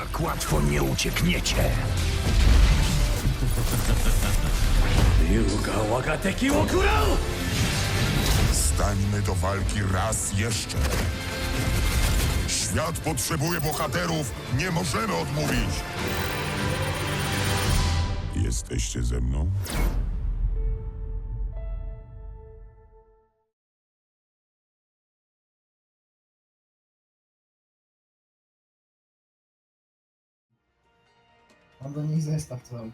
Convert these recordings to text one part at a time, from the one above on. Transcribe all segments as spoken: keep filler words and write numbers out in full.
Tak łatwo nie uciekniecie. Yuga Wagateki Okurao! Stańmy do walki raz jeszcze. Świat potrzebuje bohaterów, nie możemy odmówić. Jesteście ze mną? Mam do nich zestaw cały.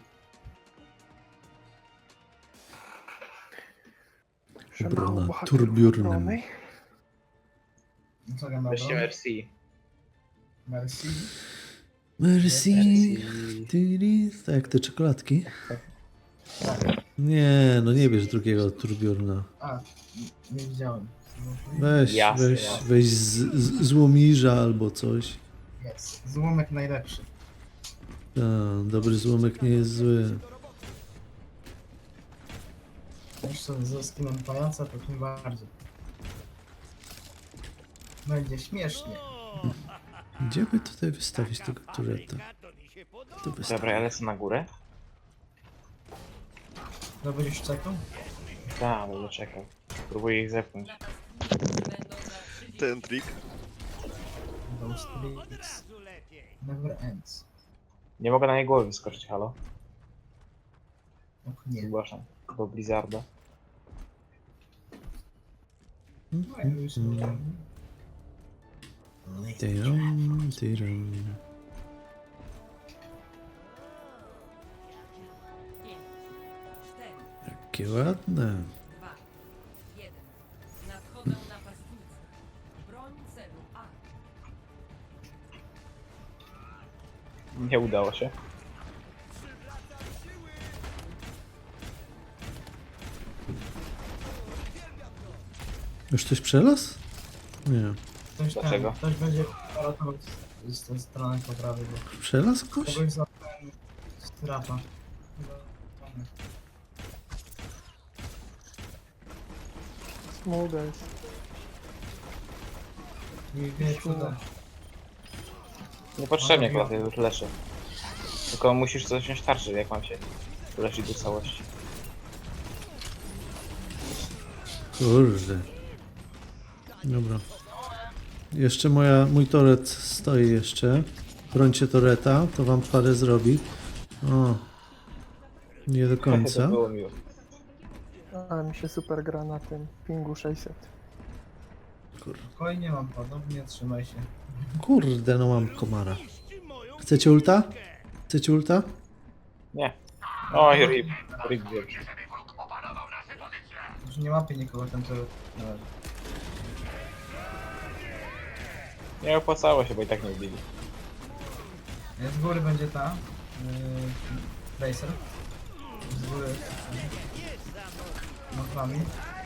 Ubrana turbiurnem. No co gram na Weźcie obronę? Mercy. Merci. Merci. Tiri. Tak jak te czekoladki. Tak. Nie, no nie bierz drugiego turbiurna. A, n- nie widziałem. Weź, Jasne, weź, jasne. weź z, z, złomirza albo coś. Jest. Złomek najlepszy. Ta, dobry złomek nie jest zły. Jeszcze ze skinem pajaca to tym bardziej. Będzie śmiesznie. Gdzie by tutaj wystawić tego tureta? Tu wystawić. Dobra, ja lecę na górę. No będziesz czekał? Tak, będę czekał. Próbuję ich zepchnąć. Ten trik. Those tricks never ends. Nie mogę na jej głowy wyskoczyć, halo? Och nie. Zgłaszam. Do Blizzarda. No, już nie. Tyrum, tyrum. Jakie ładne. Nadchodzą napastnicy. Broń celu A. Nie udało się. Już coś przelazł? Nie. Ktoś, Dlaczego? tam, ktoś będzie ratował z, z tej strony po prawej, bo Przelazł ktoś? kogoś za strata. Smuga jest. Nie wie cuda. Niepotrzebnie chyba, ja już leczę. Tylko musisz coś wziąć tarczy, jak mam się uleczyć do całości. Kurde. Dobra. Jeszcze moja, mój toret stoi jeszcze. Brońcie toreta, to wam parę zrobi. O. Nie do To końca. było miło. Ale mi się super gra na tym pingu sześćset. Spokojnie mam podobnie, trzymaj się. Kurde, no mam komara. Chcecie ulta? Chcecie ulta? Nie. Oj, rip. Rip wielki. Już nie łapie nikogo ten to... No, Nie opłacało się, bo i tak nie ubili. z góry będzie ta... Yy, Racer. Z góry... Nad wami.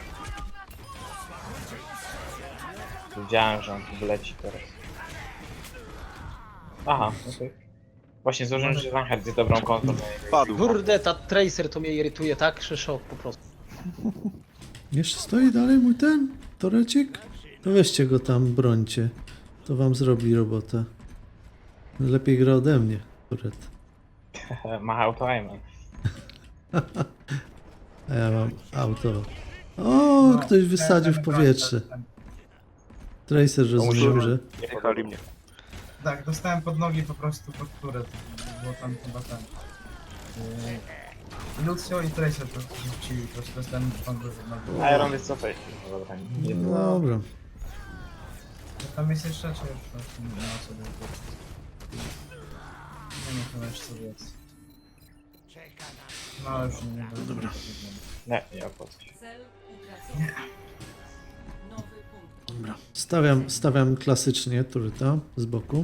Wiedziałem, że on tu wleci teraz. Aha, okej. Właśnie złożyłem, że Reinhardt jest dobrą kontrą. Padł. Kurde, ta Tracer to mnie irytuje tak, że szok po prostu. Jeszcze stoi dalej mój ten torecik? To weźcie go tam, brońcie. To wam zrobi robotę. Lepiej gra ode mnie, toret. Ma auto-aimem. A ja mam auto. O, ktoś wysadził w powietrze. Tracer rozumiem, że... Jechali mnie. Tak, dostałem pod nogi po prostu pod turę. Było tam chyba ten... Yy, Lucio i Tracer po prostu rzucili, po prostu dostałem pod nogi. Iron wycofaj się. No dobra, nie było. Dobra. Tam jest jeszcze, czy już po prostu nie ma sobie... Nie ma chyba jeszcze sobie jest. No już nie będę. Dobra. Nie, nie opłaca się. Cel utracony. Nowy punkt. Dobra. Stawiam, stawiam klasycznie tureta z boku.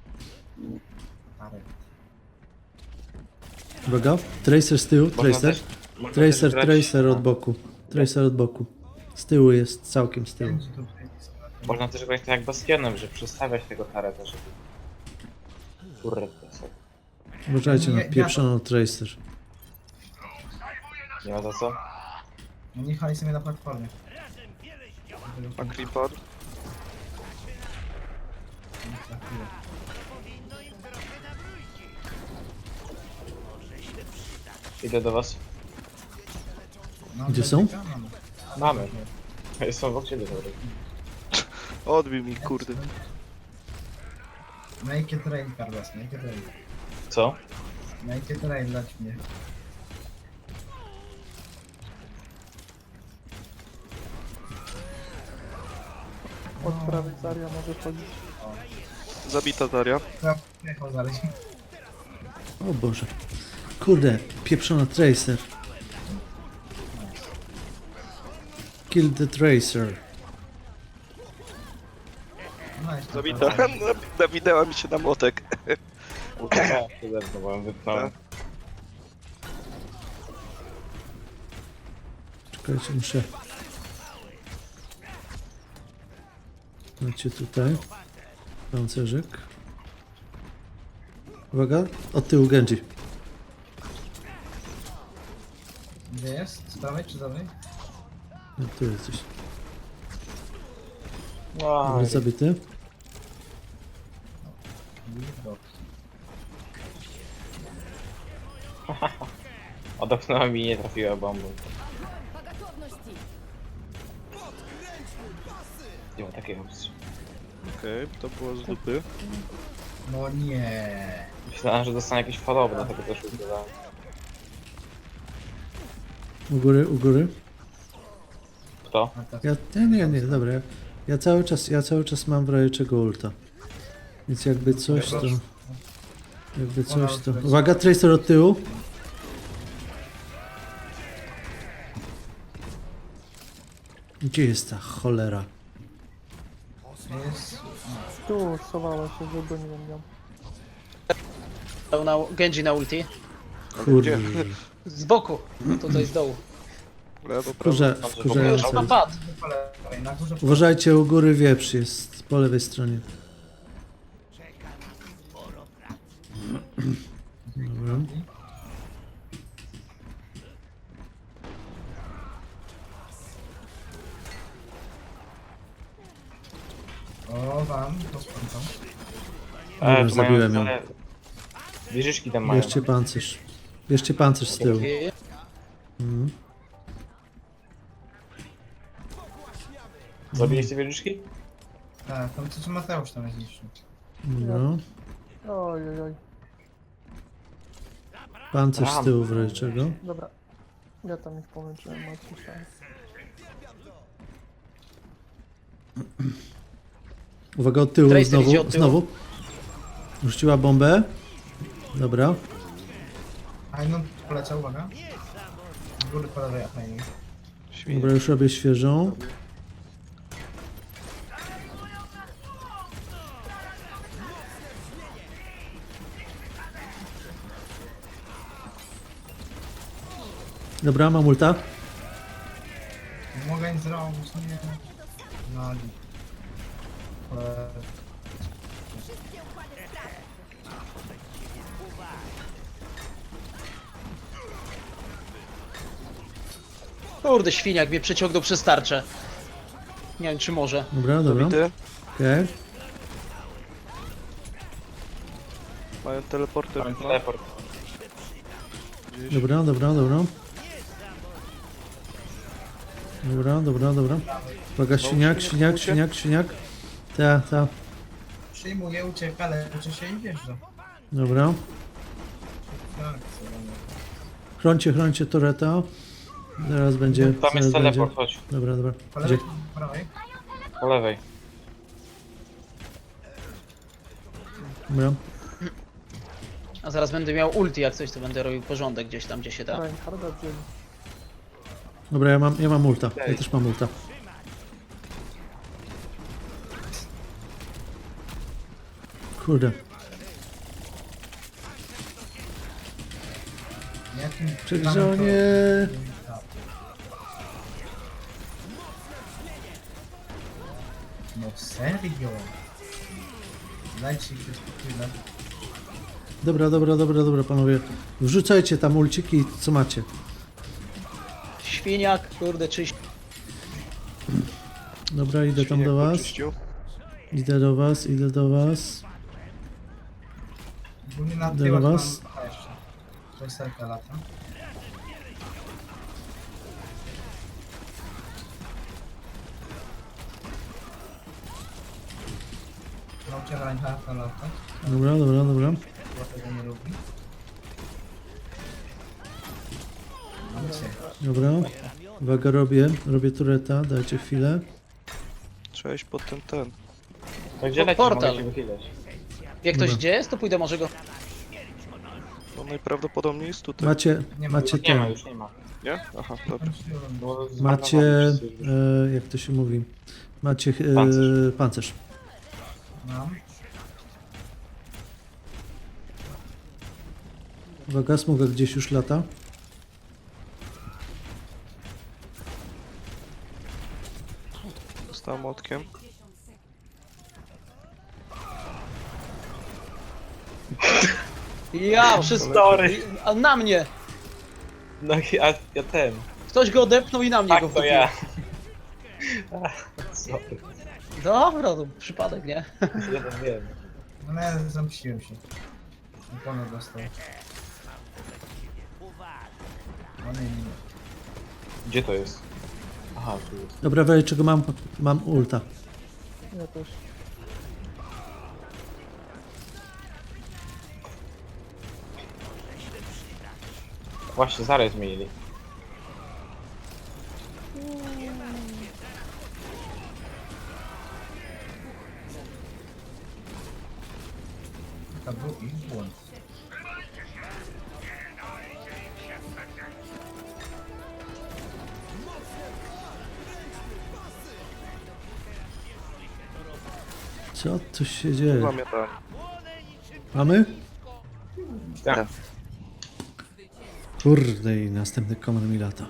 Uwaga. Tracer z tyłu, Można Tracer. też- można Tracer, też grać- Tracer od a, boku. Tracer od boku. Z tyłu jest, całkiem z tyłu. Można też grać tak jak Bastionem, że przestawiać tego tareta, żeby... Kurde, to sobie. Uważajcie na Nie, ja- pieprzoną Tracer. Nie ma za co? No nie jechali sobie na platformie. A Creeper? Za chwilę. Idę do was. No, Gdzie to są? czekam. Mamy. Są obok ciebie, dobra. Odbił mi, kurde. Make it rain, Carlos, make it rain. Co? Make it rain, dać mnie. Od prawej Zaria może chodzić. Zabita Daria. Chyba jechał zaraz. O Boże. Kurde, pieprzona Tracer. Kill the Tracer. No, jeszcze Zabita. tam. Nawinęła mi się na młotek. Uciekałem się ze mną, bo ją wypchnąłem. Czekajcie, muszę... Macie tutaj. Pancerzyk. Uwaga, od tyłu Genji. Gdzie jest? Z prawej czy z lewej? No, tu jesteś. No, Dobra, zabity. Dobra. odepchnęła mi i nie trafiła bombą. Nie ma takiej opcji. Okej, to było z dupy. No nie. Myślałem, że dostanę jakieś falowe, dlatego też udzielałem. U góry, u góry. Kto? A tak. Ja, nie, nie, nie, dobra. Ja, ja cały czas, ja cały czas mam w razie czego ulta. Więc jakby coś to... Jakby coś to... Uwaga, Tracer od tyłu. Gdzie jest ta cholera? Jest... Tu schowała się, żeby nie wiem. Dał na Genji na ulti. Kurde. Z boku. Tutaj z dołu. Lewo, prawo. Kurze, Już wkurzające. ma pad. po lewej, na górze. Uważajcie, u góry wieprz jest po lewej stronie. Dobra. O, wam, to spędzam. Dobra, tu mają zabiłem ją. całe- Wieżyczki tam mają. Bierzcie pancerz. Bierzcie pancerz z tyłu. Mhm. Zabiliście wieżyczki? Tak, tam co Mateusz tam jest niższy. Dobra. Oj, oj, oj. Pancerz z tyłu w razie czego. Dobra. Ja tam ich pomęczyłem, mocno. Uwaga, od tyłu Tracer idzie znowu, od tyłu. znowu. Rzuciła bombę. Dobra. Ajnon poleciał, uwaga. Z góry po lewej Ajnon. Świnie. Dobra, już robię świeżą. Dobra, mam ulta. Nie mogę nic zrobić, nie. No, ale... Kurde, świniak mnie przeciągnął przez tarczę. Nie wiem, czy może. Dobra, dobra. Zabity. Okej. Mają teleporter. Mam No. teleport. Gdzieś. Dobra, dobra, dobra. Dobra, dobra, dobra. Uwaga, świniak, świniak, świniak, świniak. Ta, ta. Przyjmuje, ucieka, leczy się i wjeżdża. Dobra. Tak, co będę. Chroncie, chroncie Toreta. Zaraz będzie. Tam Zaraz jest będzie. teleport, chodź. Dobra, dobra. Po Gdzie? lewej, po prawej. Po lewej. Dobra. A zaraz będę miał ulti, jak coś, to będę robił porządek gdzieś tam, gdzie się da. Reinharda wzięli. Dobra, ja mam, ja mam ulta. Ja też mam ulta. Kurde. Jakim Przegrzonie. No serio? Dajcie się spokój. Dobra, dobra, dobra, dobra, panowie. Wrzucajcie tam ulciki, co macie. Świniak, kurde, czyś. Dobra, idę tam Świniak do was. poczyścił. Idę do was, idę do was. Głównie na Idę tyłach do mam... was. Aha, jeszcze. To jest serka lata. Nauczyłem Reinhardta latać, Dobra, dobra, dobra. bo tego nie lubi. Mam cię. Dobra. Uwaga, robię. Robię tureta, dajcie chwilę. Trzeba iść pod ten, ten. To gdzie Po- lecisz? portal. Mogę cię wychylać. Jak ktoś Dobra. gdzie jest, to pójdę może go. No najprawdopodobniej jest tutaj. Macie, Nie ma, macie Nie ma, ten. już nie ma. Nie? Aha, dobra. Kończyłem. Bo Macie, zmarnowałem wszyscy już. e, jak to się mówi? Macie e, Pancerz. pancerz. Mam. Uwaga, smuga gdzieś już lata. Zostałem młotkiem. Ja, wszyscy. Sorry. A na mnie! No i ja, ja ten. Ktoś go odepnął i na mnie Tak, go to wtopił. ja. Sorry. Dobra, to przypadek, nie? Ja to wiem. No ja zamściłem się. Ikonę dostał. O nie, nie, nie. Gdzie to jest? Aha, tu jest. Dobra, weź czego mam? Mam ulta. Ja też. Właśnie, zaraz zmienili. To był ich błąd. Co tu się dzieje? Zamiatanie. Mamy? Tak. Kurde i następny komand mi lata.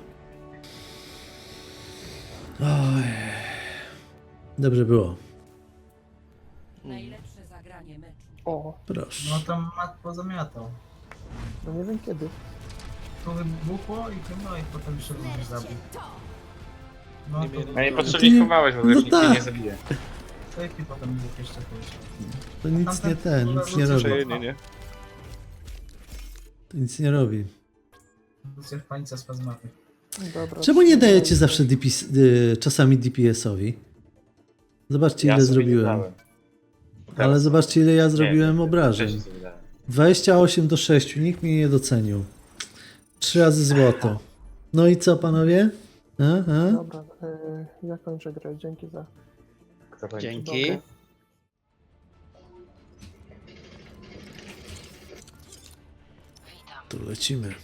Oj. Dobrze było. Najlepsze zagranie meczu. O, Proszę. No tam mat pozamiatał. no nie wiem kiedy. Tu wybuchło i chyba i potem się już zabił. No Nie to mieli- No nie ty potrzebnie nie- chowałeś, bo no już nikt cię tak. nie zabije. Safety potem dwóch jeszcze pójść. To nic nie ten, nic nie robi. Przejenie, nie? To nic nie robi. Lucja w pańca spazmaty. Dobra. Czemu nie dajecie zawsze D P S, y, czasami D P S-owi? Zobaczcie ile Ja sobie nie zrobiłem. dałem. Ale zobaczcie ile ja Nie, zrobiłem nie, obrażeń. też sobie dałem. dwadzieścia osiem do sześciu, nikt mnie nie docenił. Trzy razy złoto. No i co panowie? A, a? Dobra, y, ja kończę grę. Dzięki za. Kto będzie? Dzięki. Dobra. Tu lecimy.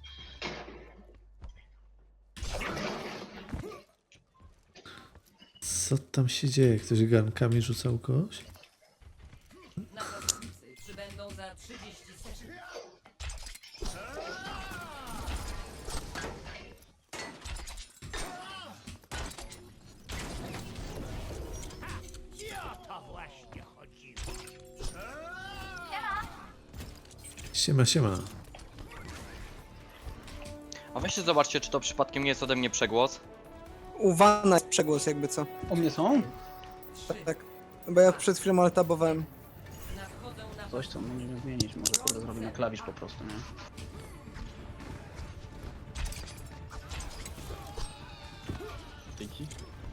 Co tam się dzieje? Ktoś garnkami rzucał kogoś? Napastnicy przybędą za trzydzieści sekund. Siema, siema. A weźcie zobaczcie, czy to przypadkiem nie jest ode mnie przegłos. U Wana jest przegłos jakby co. U mnie są? Tak, tak. Bo ja przed chwilą altabowałem. Nadchodzą na Coś co możemy zmienić, może kurde zrobię na klawisz po prostu, nie? Dzięki.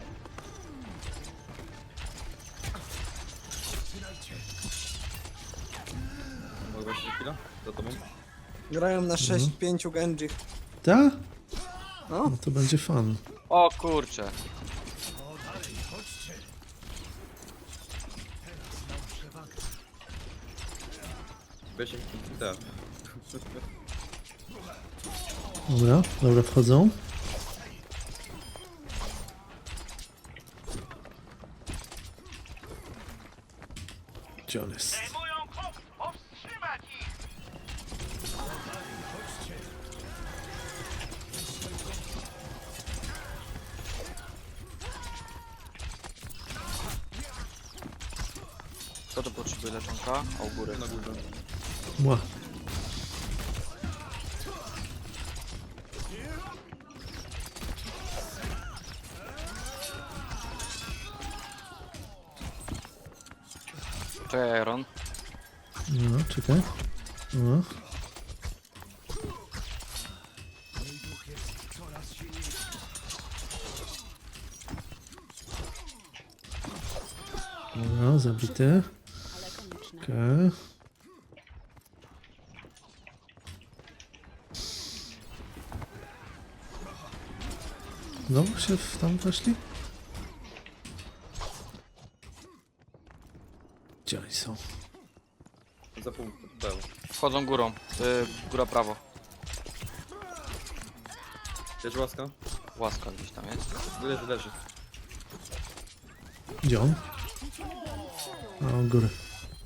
Mogę się chwilę? Za tobą? Grają na sześć pięć Genji. Ta? No. No to będzie fan. O kurczę. Weź tak. Dobra, dobra, wchodzą. Gdzie on jest? Kto to potrzebuje leczonka? A u góry. Na górze. Mła. Czekaj, Iron. No, czekaj. No. Dobra, zabity. Okej. Znowu się w tam weszli? Gdzie oni są? Za pół. Wchodzą górą. Yy, góra prawo. Jest łaska? Łaska gdzieś tam jest. Leży, leży. Gdzie on? A, u góry.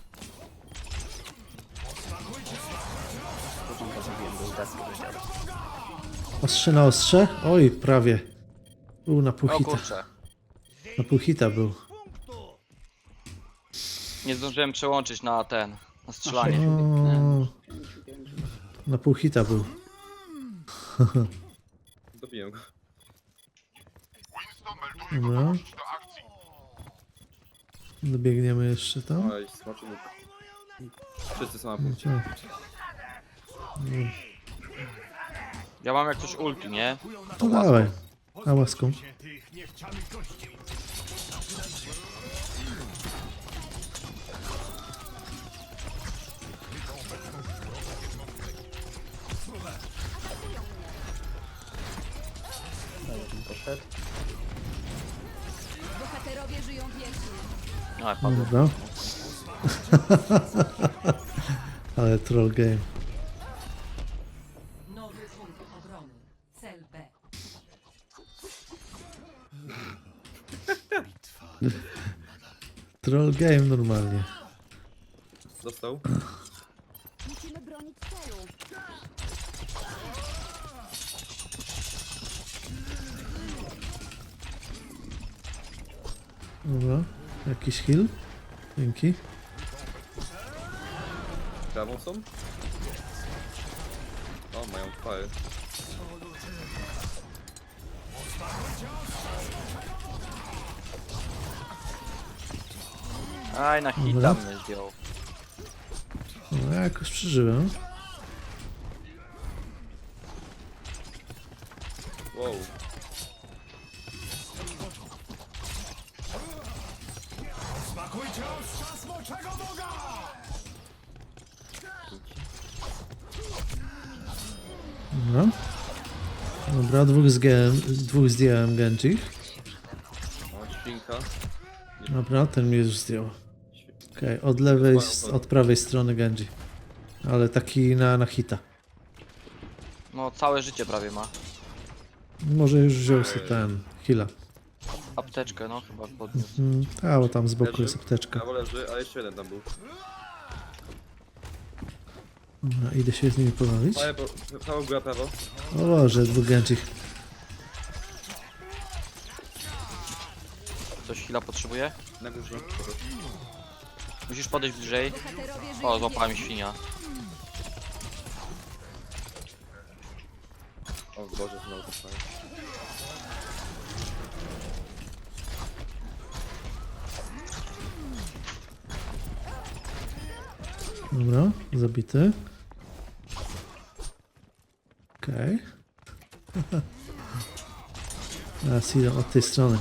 Ostrze na ostrze? Oj, prawie. Był na pół O hita. kurczę. Na pół hita był. Nie zdążyłem przełączyć na ten. Na strzelanie. O, na pół hita był. Dobiłem go. Dobra. Dobiegniemy jeszcze tam. Oj, smaczny. Wszyscy są na Gdzie? Ja mam jak coś ulti, nie? No dawaj. A łaską. Tych niechcianych gości. Bohaterowie żyją wiecznie. A, padło. Dobra. Ale troll game. Nowy punkt obrony. Cel B. Troll game normalnie. Dostał? Musimy bronić celu. Dobra. Jakiś heal? Dzięki. Prawą są? O, mają fire. Aj, na hita Dobra. mnie zdjął. No, ja jakoś przeżyłem. Wow. Smakujcie ostrza smoczego boga! Dobra. Dobra, dwóch zdjąłem, dwóch zdjąłem Genji. O, świnka. Dobra, ten mnie już zdjął. Okej, od lewej, s- od prawej strony Genji. Ale taki na, na hita. No, całe życie prawie ma. Może już wziął sobie ten heala. Apteczkę, no, chyba podniósł. Mm, a, bo tam z boku jest apteczka. Prawo leży, a jeszcze jeden tam był. Dobra, idę się z nimi pobawić. Ale po, prawo, góra, prawo. O Boże, dwóch Genji. Ktoś chwila potrzebuje? Na górze. Musisz podejść bliżej. Bohaterowie żyją O, złapałem świnia. O Boże, znowu to fajnie. Dobra, zabity. Okej. Okay. Teraz idą od tej strony.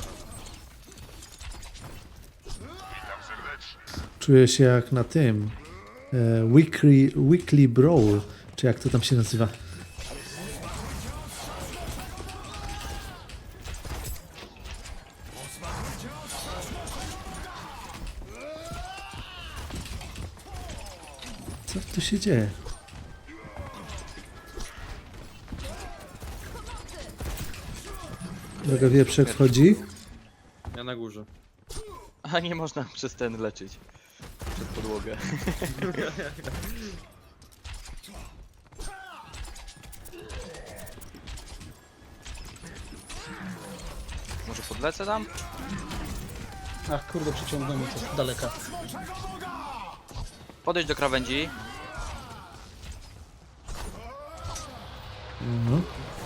Czuję się jak na tym. E, weekly, weekly Brawl. Czy jak to tam się nazywa? Co tu się dzieje? Droga wieprzek wchodzi. Ja na górze. A nie można przez ten leczyć. Przez podłogę. Może podlecę tam? Ach kurde, przyciągnął mnie to z daleka. Podejdź do krawędzi. No.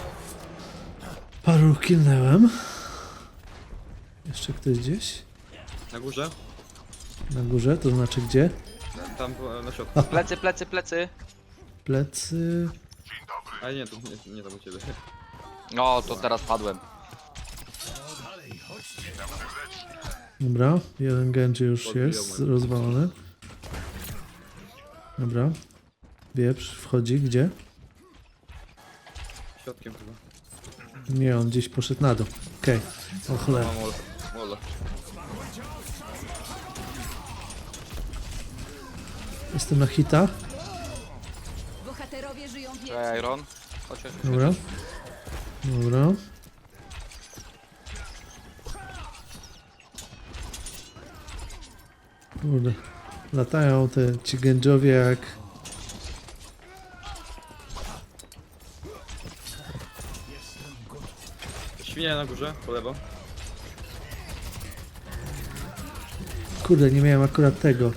Paru kilnęłem. Jeszcze ktoś gdzieś? Na górze? Na górze, to znaczy gdzie? Tam na środku. Plecy, plecy, plecy. Plecy. Ale nie, to nie, nie tam u ciebie. No, to teraz padłem. Dobra, jeden Genji już Podbijał jest mnie. rozwalony. Dobra. Wieprz wchodzi, gdzie? Środkiem chyba. Nie, on gdzieś poszedł na dół. Okej. O cholera. Mam Ola. Ola. Jestem na hita. Bohaterowie żyją wiecznie. Cześć, Iron. Chodź, chodź, chodź. Dobra. Dobra. Kurde. Latają te ci gędżowie jak... Świnia na górze, po lewo. Kurde, nie miałem akurat tego.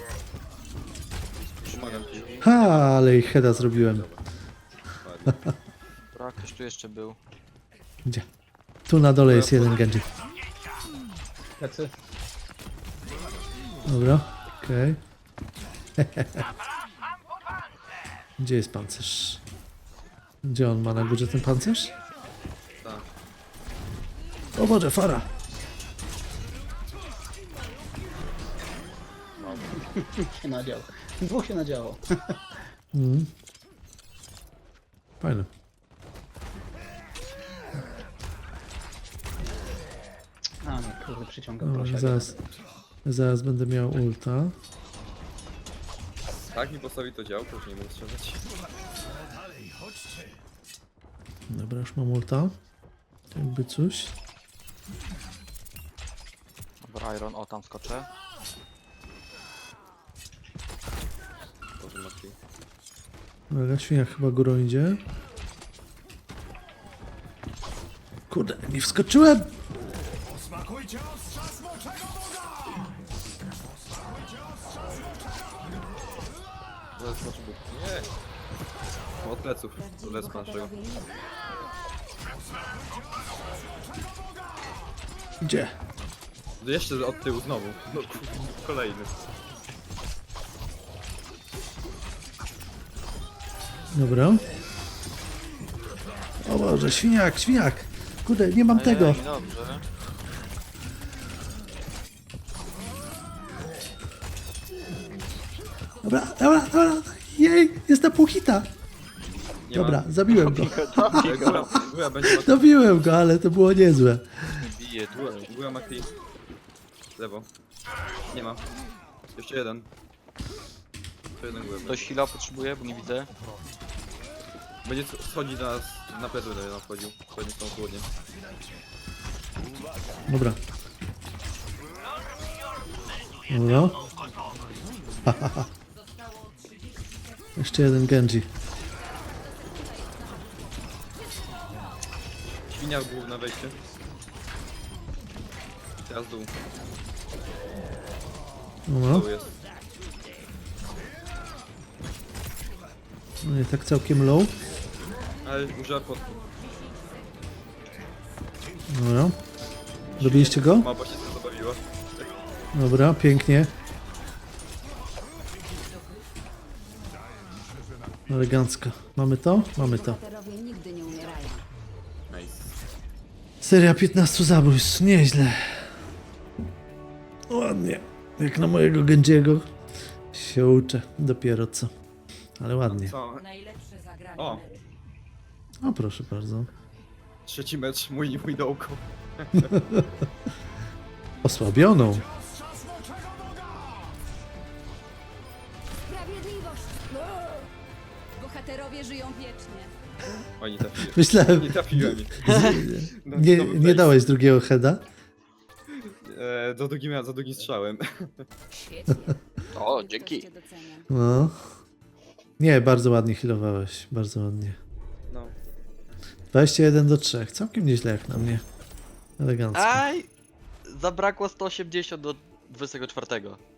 Pomagam ci. Ha, ale ich heada zrobiłem. Dobra, ktoś tu jeszcze był. Gdzie? Tu na dole jest jeden Genji. Plecy. Dobra, okej. Gdzie jest pancerz? Gdzie on ma na górze ten pancerz? Tak. O Boże, fara! się nadział. Dwóch się nadziało. Mm. Fajne. A nie, kurde, przyciągam Dobra, prosiak. zaraz, zaraz będę miał ulta. Tak mi postawi to działko, że nie mogę strzelać. Dobra, już mam ulta. Jakby coś. Dobra, Iron, o tam skoczę. Boże, Mati. Dobra, świnia chyba górą idzie. Kurde, nie wskoczyłem! Smakujcie ostrza smoczego boga! Zaraz skoczy był. Nie! Od pleców. Lec naszego. Gdzie? Jeszcze od tyłu znowu. No kurde, kolejny. Dobra. O Boże, świniak, świniak! Kurde, nie mam tego! Ej, dobrze. Dobra, dobra, dobra! Jej, jest na pół hita! Nie Dobra, ma. zabiłem go. Ej, Góra, góra będzie ma... Zabiłem go, ale to było niezłe. Bije, góra, góra ma clean. Lewo. Nie ma. Jeszcze jeden. Jeszcze jeden góra. Ktoś heal'a potrzebuje, bo nie widzę. Będzie schodzić do nas, na plecy będę nam wchodził. Wchodzi z tą chłodnię. Dobra. Dobra. Jeszcze jeden Genji. Świnia był na wejście. Teraz dół. Dobra. Dół jest. No i tak całkiem low. Ale użyła potki. Dobra. Dobiliście go? Mapa się tym zabawiła. Dobra, pięknie. Elegancko. Mamy to? Mamy to. Bohaterowie nigdy nie umierają. Nice. Seria piętnastu zabójstw. Nieźle. Ładnie. Jak na mojego Genjiego się uczę. Dopiero co. Ale ładnie. Co? Najlepsze zagranie O. meczu. O, proszę bardzo. Trzeci mecz, mój, mój dołko. Osłabioną. Sprawiedliwość! Bohaterowie żyją wiecznie. O, nie trafiłem. Myślałem, Nie trafiłem. No, nie, to był nie face. dałeś drugiego heada? E, za drugim, za drugim strzałem. Świetnie. O, dzięki. Ktoś cię docenia. No. Nie, bardzo ładnie healowałeś. Bardzo ładnie. No. dwadzieścia jeden do trzech. Całkiem nieźle jak na mnie. Elegancko. Aj! Zabrakło sto osiemdziesiąt do dwudziestego czwartego.